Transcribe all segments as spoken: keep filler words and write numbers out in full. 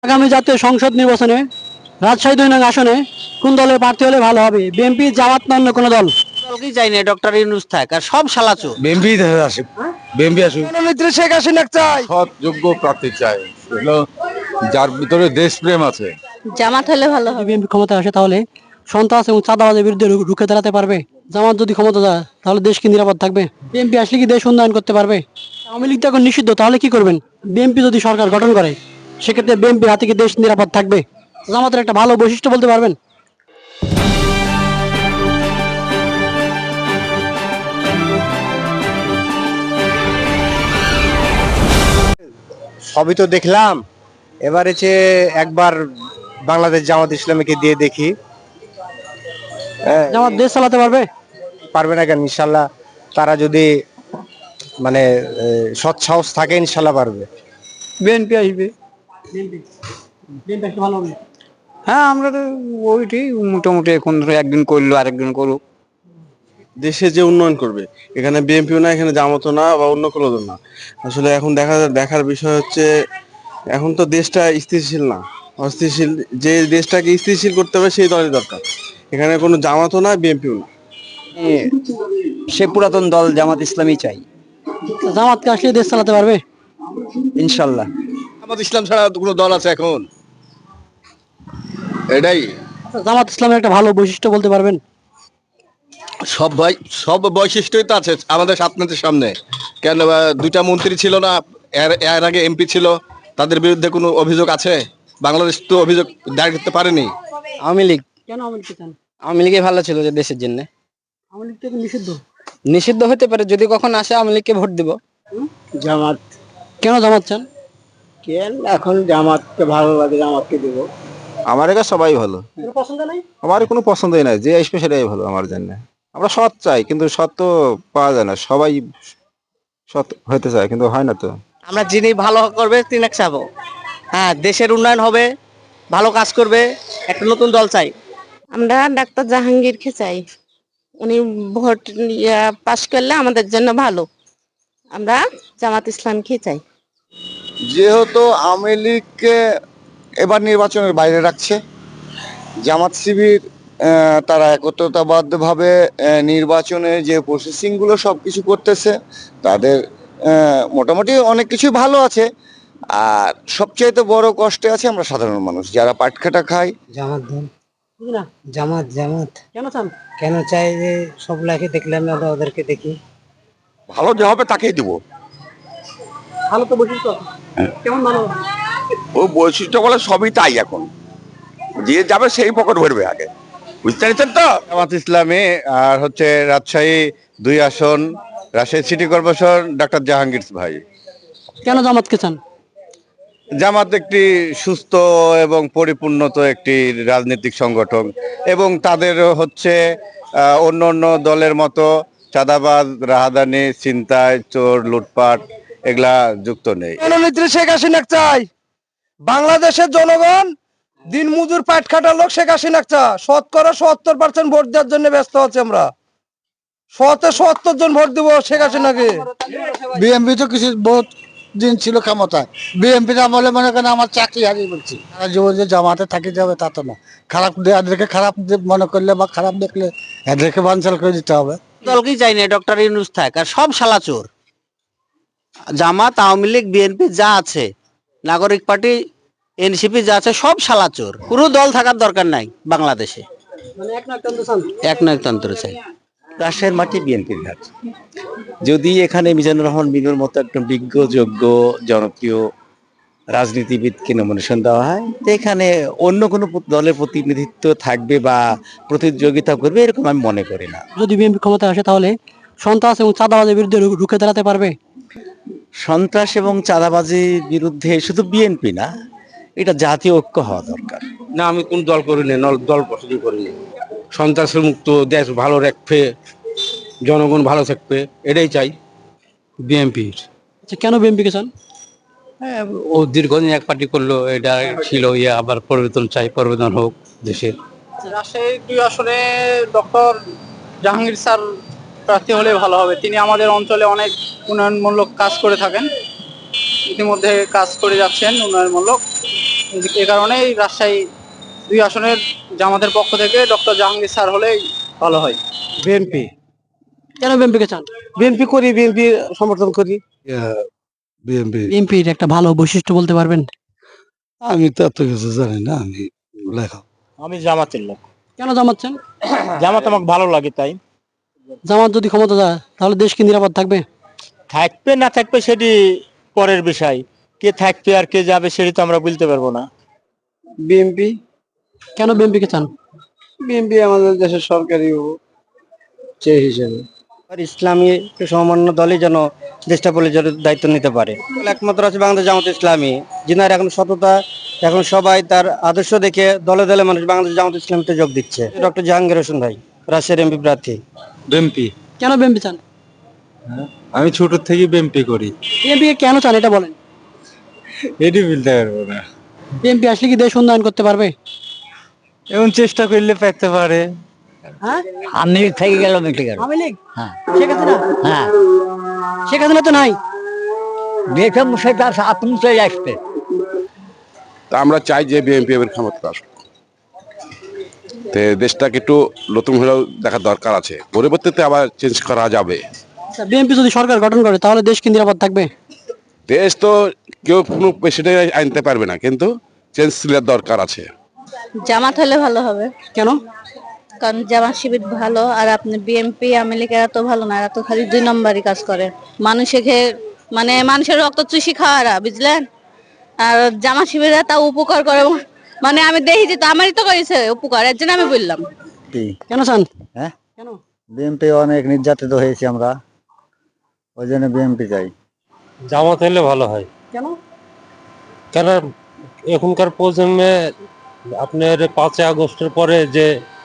আগামী জাতীয় সংসদ নির্বাচনে রাজশাহী দুই নং আসনে কোন দলের প্রার্থী হলে ভালো হবে? বিএনপি, জামাত না অন্য কোনো দল? দলকেই চাই না, ডক্টর ইউনূস থাক, আর সব শালাচো। বিএনপি আসুক, বিএনপি আসুক। প্রধানমন্ত্রী শেখ হাসিনা চাই। সৎ যোগ্য প্রার্থী চাই, হলো যার ভিতরে দেশপ্রেম আছে। জামাত হলে ভালো যদি হবে। বিএনপি ক্ষমতা আসে তাহলে সন্ত্রাস এবং চাঁদাবাজের বিরুদ্ধে রু- রুখে দাঁড়াতে পারবে। জামাত যদি ক্ষমতা যায় তাহলে দেশ কি নিরাপদ থাকবে? বিএনপি আসলে কি দেশ উন্নয়ন করতে পারবে? আওয়ামী লীগ তো এখন নিষিদ্ধ, তাহলে কি করবেন? বিএনপি যদি সরকার গঠন করে সেক্ষেত্রে বিএনপির হাতে কি দেশ নিরাপদ থাকবে? জামাতের একটা ভালো বৈশিষ্ট্য বলতে পারবেন? সবই তো দেখলাম, এবার হচ্ছে একবার বাংলাদেশ জামাত ইসলামীকে দিয়ে দেখি। হ্যাঁ, জামাত দেশ চালাতে পারবে? পারবে না কেন? ইনশাল্লাহ তারা যদি মানে এ, সৎ সাহস থাকে ইনশাল্লাহ পারবে। বিএনপি আসবে। বিএনপি বিএনপি আসলে ভালো হবে। হ্যাঁ, আমরা তো ওইটি মোটামুটি এখন ধরো একদিন করলো আরেকদিন করুক। দেশে যে উন্নয়ন করবে, এখানে বিএনপিও না, এখানে জামাতও না, বা অন্য কোনো দল না। আসলে এখন দেখা দেখার বিষয় হচ্ছে, এখন তো দেশটা স্থিতিশীল না, অস্থিতিশীল। যে দেশটাকে স্থিতিশীল করতে হবে সেই দলের দরকার। এখানে কোনো জামাতও না, বিএনপিও না। সে পুরাতন দল জামাত ইসলামী চাই জামাতকে আসলে দেশ চালাতে পারবে? ইনশাল্লাহ। জামাত ইসলাম ছাড়া কোনো দল আছে এখন? এটাই আচ্ছা, জামাত ইসলামের একটা ভালো বৈশিষ্ট্য বলতে পারবেন? সব ভাই, সব বৈশিষ্ট্যই তো আছে আমাদের সাতনাথের সামনে। কেন বা দুইটা মন্ত্রী ছিল না, এর এর আগে এমপি ছিল, তাদের বিরুদ্ধে কোনো অভিযোগ আছে? বাংলাদেশ তো অভিযোগ দায়ের করতে পারেনি। আওয়ামী লীগ কেন আওয়ামী লীগকে চান? আওয়ামী লীগে ভালো ছিল যে দেশের জন্য। আওয়ামী লীগ তো এখন নিষিদ্ধ। নিষিদ্ধ হতে পারে, যদি কখন আসে আওয়ামী লীগকে ভোট দিব। জামাত কেন জামাত চান? কেন এখন জামাতকে ভালো লাগে, জামাতকে দিব। আমার এখানে সবাই ভালো, কোনো পছন্দ নাই? আমার কোনো পছন্দই নাই, যে আসবে সেটাই ভালো আমার জন্য। আমরা সৎ চাই, কিন্তু সৎ তো পাওয়া যায় না। সবাই সৎ হতে চায় কিন্তু হয় না তো। আমরা যিনি ভালো করবে তিনি চাবো। হ্যাঁ, দেশের উন্নয়ন হবে, ভালো কাজ করবে, একটা নতুন দল চাই। আমরা ডাক্তার জাহাঙ্গীরকে চাই। উনি ভোট ইয়া পাশ করলে আমাদের জন্য ভালো। আমরা জামাত ইসলামকে চাই। যেহেতু আওয়ামী লীগকে এবার নির্বাচনের বাইরে রাখছে, জামাত শিবির আহ, তারা একত্রতাবদ্ধভাবে আহ, নির্বাচনের যে প্রসেসিং গুলো সবকিছু করতেছে, তাদের আহ, মোটামুটি অনেক কিছুই ভালো আছে। আর সবচাইতে বড় কষ্টে আছে আমরা সাধারণ মানুষ, যারা পাটখাটা খাই। জামাত দল, বুঝি না। জামাত জামাত কেন চান? কেন চাই? যে সব লাইফে দেখলাম না, ওদেরকে দেখি। ভালো যে হবে তাকেই দিব। ভালো তো বৈশিষ্ট্য আছে। কেমন ভালো? ও বৈশিষ্ট্য বলে সবই তাই, এখন যে যাবে সেই পকেট ভরবে আগে, বুঝতে পারছেন তো। জামাত ইসলামী আর হচ্ছে রাজশাহী দুই আসন, Rajshahi city corporation doctor Jahangir ভাই। কেন জামাতকে চান? জামাত একটি সুস্থ এবং পরিপূর্ণত একটি রাজনৈতিক সংগঠন, এবং তাদের হচ্ছে আহ, অন্য অন্য দলের মতো চাঁদাবাজ, রাহাদানি, ছিনতাই, চোর, লুটপাট এগুলা যুক্ত নেই। প্রধানমন্ত্রী শেখ হাসিনা চাই। বাংলাদেশের জনগণ দিন মজুর পাট খাটার লোক শেখ হাসিনা চায়। শতকরা সত্তর পার্সেন্ট ভোট দেওয়ার জন্য ব্যস্ত আছি আমরা। শতে সত্তর জন ভোট দিব শেখ হাসিনাকে। বিএমপি তো কিছু বহুত দিন ছিল ক্ষমতায়। বিএমপির আমলে মনে করেন আমার চাকরি হারিয়ে বলছি। সারা জীবন যে জামাতে থাকি যাবে তা তো না। খারাপ দে- এদেরকে খারাপ দে- মনে করলে বা খারাপ দেখলে এদেরকে বানচাল করে দিতে হবে। দলকেই চাই না, ডক্টর ইউনূস থাক, আর সব শালাচোর। জামাত, আওয়ামী লীগ, বিএনপি যা আছে, নাগরিক পার্টি, এনসিপি যা আছে, সব শালাচোর। কোনো দল থাকার দরকার নাই বাংলাদেশে। মানে এক নায়কতন্ত্র চান? একনায়কতন্ত্র চাই। রাজশাহীর মাটি বিএনপির ঘাট। যদি এখানে মিজানুর রহমান মিনুর মতো একজন বিজ্ঞ, যোগ্য, জনপ্রিয় রাজনীতিবিদকে নমিনেশন দেওয়া হয়, তো এখানে অন্য কোনো প- দলের প্রতিনিধিত্ব থাকবে বা প্রতিযোগিতা করবে এরকম আমি মনে করি না। যদি বিএনপি ক্ষমতা আসে তাহলে সন্ত্রাস এবং চাঁদাবাজের বিরুদ্ধে রু- রুখে দাঁড়াতে পারবে? সন্ত্রাস এবং চাঁদাবাজির বিরুদ্ধে শুধু বিএনপি না, এটা জাতীয় ঐক্য হওয়া দরকার। না, আমি কোন দল করিনি, দল পছন্দ করিনি। সন্ত্রাসের মুক্ত দেশ ভালো রাখবে, জনগণ ভালো থাকবে, এটাই চাই বিএনপির। আচ্ছা, কেন বিএনপিকে চান? হ্যাঁ, ও দীর্ঘদিন এক পার্টি করলো, এটা ছিল ইয়ে, আবার পরিবর্তন চাই, পরিবর্তন হোক দেশের। রাজশাহী দুই আসনে ডক্টর জাহাঙ্গীর স্যার প্রার্থী হলে ভালো হবে। তিনি আমাদের অঞ্চলে অনেক উন্নয়নমূলক কাজ করে থাকেন, ইতিমধ্যে কাজ করে যাচ্ছেন উন্নয়নমূলক। এ কারণেই রাজশাহী দুই আসনের জামাতের পক্ষ থেকে ডক্টর জাহাঙ্গীর স্যার হলেই ভালো হয়। বিএনপি কেন বিএনপিকে চান? বিএনপি করি, বিএনপি সমর্থন করি। বিএনপি বিএনপির একটা ভালো বৈশিষ্ট্য বলতে পারবেন? আমি তো এত কিছু জানি না, আমি লেখা। আমি জামাতের লোক। কেন জামাত চান? জামাত আমাকে ভালো লাগে তাই। জামাত যদি ক্ষমতা যায় তাহলে দেশ কি নিরাপদ থাকবে? থাকবে না থাকবে সেটি পরের বিষয়, কে থাকবে আর কে যাবে সেটি তো আমরা বলতে পারবো না। বিএনপি কেন বিএনপিকে চান? বিএনপি আমাদের দেশের সরকারি চেয়ে হিসেবে। ইসলামী সমমান্য দলই যেন দেশটা পরিচালনার দায়িত্ব নিতে পারে। একমাত্র আছে বাংলাদেশ জামাত ইসলামী, যিনার এখন সততা, এখন সবাই তার আদর্শ দেখে দলে দলে মানুষ বাংলাদেশ জামাত ইসলামীতে যোগ দিচ্ছে। ডক্টর জাহাঙ্গীর হোসেন ভাই, রাজশাহীর এমপি প্রার্থী। বিএনপি কেন বিএনপি চান? আমি ছোট থেকে বিএনপি করি। বিএনপিকে কেন চান এটা বলেন? এটি বলতে পারবো না। বিএনপি আসলে কি দেশ উন্নয়ন করতে পারবে? এখন চেষ্টা করলে পেতে পারে। হ্যাঁ, আমি থেকে গেল মিটে গেল। আওয়ামী লীগ? হ্যাঁ শেখ হাসিনা? হ্যাঁ, শেখ হাসিনা তো নাই। দেখে সেটা আপনি চলে আসবে। তা আমরা চাই যে বিএনপি এবার ক্ষমতা আসুক, দেশটাকে একটু নতুন হলেও দেখার দরকার আছে, পরবর্তীতে আবার চেঞ্জ করা যাবে। বিএনপি যদি সরকার গঠন করে তাহলে দেশ কি নিরাপদ থাকবে? দেশ তো কেউ কোনো প্রেসিডেন্ট আনতে পারবে না, কিন্তু চেঞ্জ দরকার আছে। জামাত হলে ভালো হবে, কেন? কারণ জামাত শিবির ভালো, আর আপনি বিএনপি আওয়ামী লীগ এরা তো ভালো না, এরা তো খালি দুই নম্বরই কাজ করে, মানুষকে মানে মানুষের রক্ত চুষি খাওয়ারা, বুঝলেন? আর জামাত শিবির তা উপকার করে, মানে আমি দেখি যে তো আমারই তো করেছে উপকার, এর জন্য আমি বললাম। কেন চান? হ্যাঁ, কেন? বিএনপি অনেক নির্যাতিত হয়েছি আমরা, ওই জন্য বিএনপি চাই। জামাত হলে ভালো হয়। কেন? কেন এখনকার প্রজন্মে আপনার পাঁচই আগস্টের পরে যে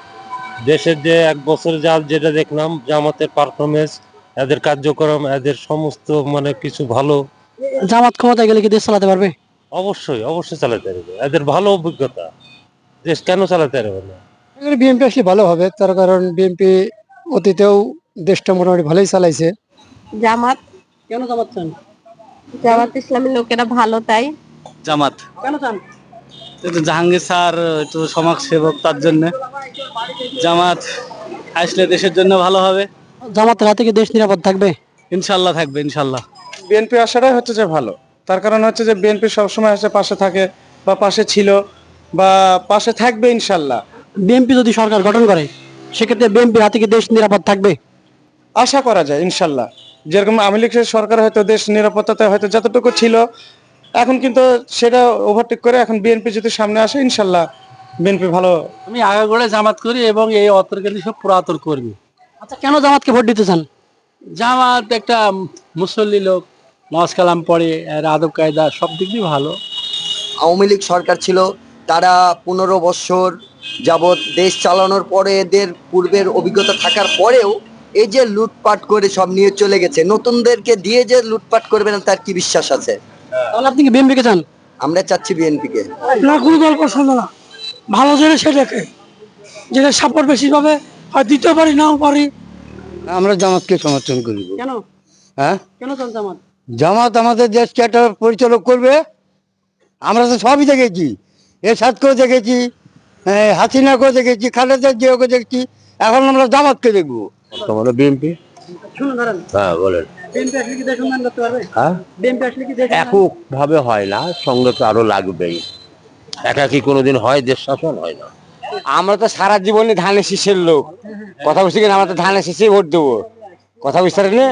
দেশের যে এক বছর যা যেটা দেখলাম জামাতের পারফরমেন্স, এদের কার্যক্রম, এদের সমস্ত মানে কিছু ভালো। জামাত ক্ষমতায় গেলে কি দেশ চালাতে পারবে? অবশ্যই অবশ্যই চালাতে পারবে, এদের ভালো অভিজ্ঞতা, দেশ কেন চালাতে পারবে না? বিএনপি আসলে ভালো হবে, তার কারণ বিএনপি অতীতেও দেশটা মোটামুটি ভালোই চালাইছে। জামাত। কেন জামাত চান? জামাত ইসলামের লোকেরা ভালো তাই। জামাত কেন চান? জাহাঙ্গীর স্যার একটু সমাজ সেবক, তার জন্য জামাত আসলে দেশের জন্য ভালো হবে। জামাতের হাতে কি দেশ নিরাপদ থাকবে? ইনশাল্লাহ থাকবে, ইনশাল্লাহ। বিএনপি আসাটাই হচ্ছে যে ভালো, তার কারণ হচ্ছে যে বিএনপি সবসময় আসে পাশে থাকে, বা পাশে ছিল, বা পাশে থাকবে ইনশাল্লাহ। বিএনপি যদি সরকার গঠন করে সেক্ষেত্রে বিএনপির হাতে কি দেশ নিরাপদ থাকবে? আশা করা যায় ইনশাল্লাহ। যেরকম আওয়ামী লীগের সরকার হয়তো দেশ নিরাপত্তাতে হয়তো যতটুকু ছিল, এখন কিন্তু সেটা ওভারটেক করে এখন বিএনপি যদি সামনে আসে ইনশাল্লাহ বিএনপি ভালো। আমি আগাগোড়া জামাত করি এবং এই অতর্কালী সব পুরাতন কর্মী। আচ্ছা, কেন জামাতকে ভোট দিতে চান? জামাত একটা মুসল্লি লোক, নামাজ কালাম পড়ে, এর আদব কায়দা সব দিক দিয়ে ভালো। আওয়ামী লীগ সরকার ছিল, তারা পনেরো বছর যাবৎ দেশ চালানোর পরে এদের পূর্বের অভিজ্ঞতা থাকার পরেও এই যে লুটপাট করে সব নিয়ে চলে গেছে, নতুনদেরকে দিয়ে যে লুটপাট করবে না তার কি বিশ্বাস আছে? তাহলে আপনি কি বিএনপিকে চান? আমরা চাচ্ছি বিএনপি কে। না, কোনো দল পছন্দ না, ভালো যেটা সেটাকে, যেটা সাপোর্ট বেশি পাবে আর দিতে পারি নাও পারি। আমরা জামাতকে সমর্থন করি। কেন? হ্যাঁ, কেন চান জামাত? জামাত আমাদের দেশকে একটা পরিচালক করবে। আমরা তো সবই দেখেছি, এরশাদকেও দেখেছি, হাসিনাকেও দেখেছি, খালেদা জিয়াকে দেখেছি, এখন আমরা জামাতকে দেখবো। বর্তমানে বিএনপি। শুনুন ধরেন, হ্যাঁ বলেন। বিএনপি আসলে কি দেশ উন্নয়ন করতে পারবে? হ্যাঁ, বিএনপি আসলে কি দেশ উন্নয়ন- একক ভাবে হয় না, সঙ্গে তো আরো লাগবেই। একাকি কোনোদিন হয় দেশ শাসন? হয় না। আমরা তো সারা জীবনে ধানের শীষের লোক, কথা বুঝতে গেলে আমরা তো ধানের শীষে ভোট দেবো, কথা বুঝতে পারলে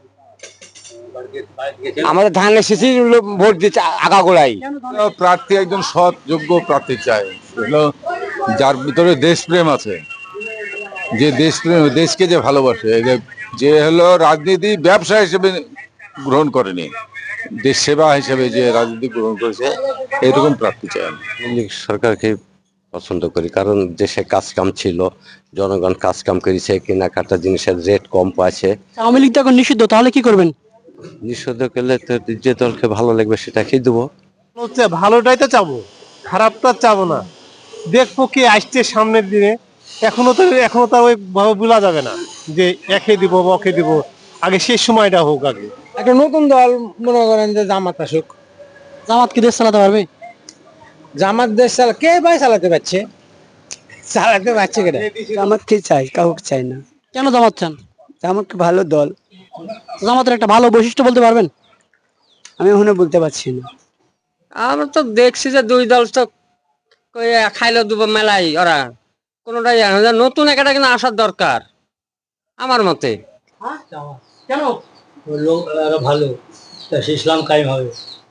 আমাদের ধানের শীষে ভোট দিচ্ছে আগাগোড়াই। প্রার্থী একজন সৎ যোগ্য প্রার্থী চাই, হলো যার ভিতরে দেশপ্রেম আছে, যে দেশপ্রেম, দেশকে যে ভালোবাসে, যে- যে হলো রাজনীতি ব্যবসা হিসেবে গ্রহণ করেনি, দেশ সেবা হিসেবে যে রাজনীতি গ্রহণ করেছে, এরকম প্রার্থী চাই আমি। সরকারকে পছন্দ করি, কারণ দেশে কাজ কাম ছিল, জনগণ কাজ কাম করেছে, কেনাকাটা জিনিসের রেট কম পাচ্ছে। আওয়ামী লীগ তো এখন নিষিদ্ধ, তাহলে কি করবেন? নিষিদ্ধ করলে তো যে দলকে ভালো লাগবে সেটাকেই দেবো। হচ্ছে ভালোটাই তো চাবো, খারাপটা চাবো না। দেখবো কি আসছে সামনের দিনে, এখনো তো এখনো তো ওই ভাবে বলা যাবে না যে একে দিব বা ওকে দিব, আগে শেষ সময়টা হোক। আগে একটা নতুন দল মনে করেন যে জামাত আসুক। জামাত কি দেশ চালাতে পারবে? জামাত দেশ চালা কে ভাই চালাতে পারছে চালাতে পারছে কেন জামাতকে চাই কাউকে চাই না কেন জামাত চান? জামাত ভালো দল জামাতের একটা ভালো বৈশিষ্ট্য বলতে পারবেন? আমি এখনো বলতে পারছি না আমরা তো দেখছি যে দুই দল তো খাইলো দুবার মেলাই ওরা কোনটাই জানে না। নতুন একটা কিন্তু আসার দরকার আমার মতে কেন? লোক ভালো ইসলাম কায়েম হবে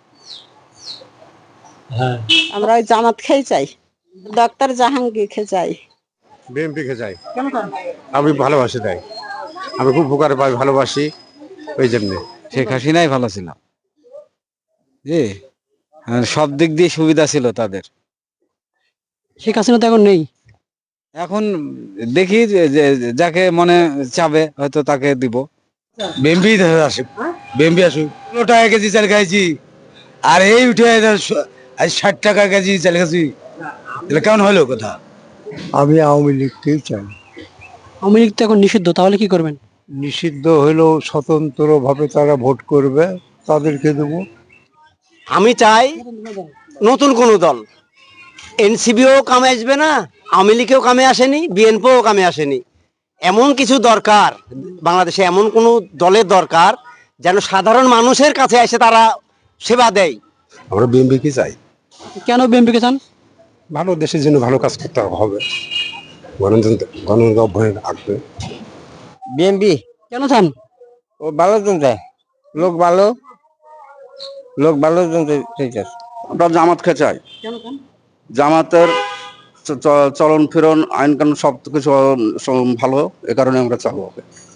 হ্যাঁ আমরা ওই জামাত খেয়ে চাই, ডক্টর জাহাঙ্গীর খেয়ে চাই। বিএনপি কে চাই, কেন চান? আমি ভালোবাসি তাই, আমি খুব উপকার পাই, ভালোবাসি ওই জন্য। শেখ হাসিনাই ভালো ছিল জি সব দিক দিয়ে সুবিধা ছিল তাদের শেখ হাসিনা তো এখন নেই। এখন দেখি যে- যে- যাকে মনে চাবে হয়তো তাকে দিব বিএমপি আসুক, বিএমপি আসুক। পনেরো টাকা কেজি চাল খাইছি, আর এই উঠে আজ ষাট টাকা কেজি চাল খাইছি, তাহলে কেমন হলো কথা? আমি আওয়ামী লীগকেই চাই। আওয়ামী লীগ তো এখন নিষিদ্ধ, তাহলে কি করবেন? নিষিদ্ধ হলেও স্বতন্ত্র ভাবে তারা ভোট করবে, তাদেরকে দেবো। আমি চাই নতুন কোন দল, এনসিবিও কামে আসবে না, আওয়ামী লীগেও কামে আসেনি, বিএনপিও কামে আসেনি। এমন কিছু দরকার বাংলাদেশে, এমন কোন দলের দরকার যেন সাধারণ মানুষের কাছে এসে তারা সেবা দেয়। আমরা বিএনপি কে চাই, কেন বিএনপিকে চান? ভালো দেশের জন্য ভালো কাজ করতে হবে, গণতন্ত্র গণতন্ত্র অভ্যুদয় আসবে। বিএমপি কেন চান? ও ভালো জন চায়, লোক ভালো, লোক ভালো জন চাইছে। আমরা জামাতকে চাই। কেন চান? জামাতের চ- চ- চলন ফিরন আইন কানুন সব কিছু সব ভালো, এ কারণে আমরা চাবো।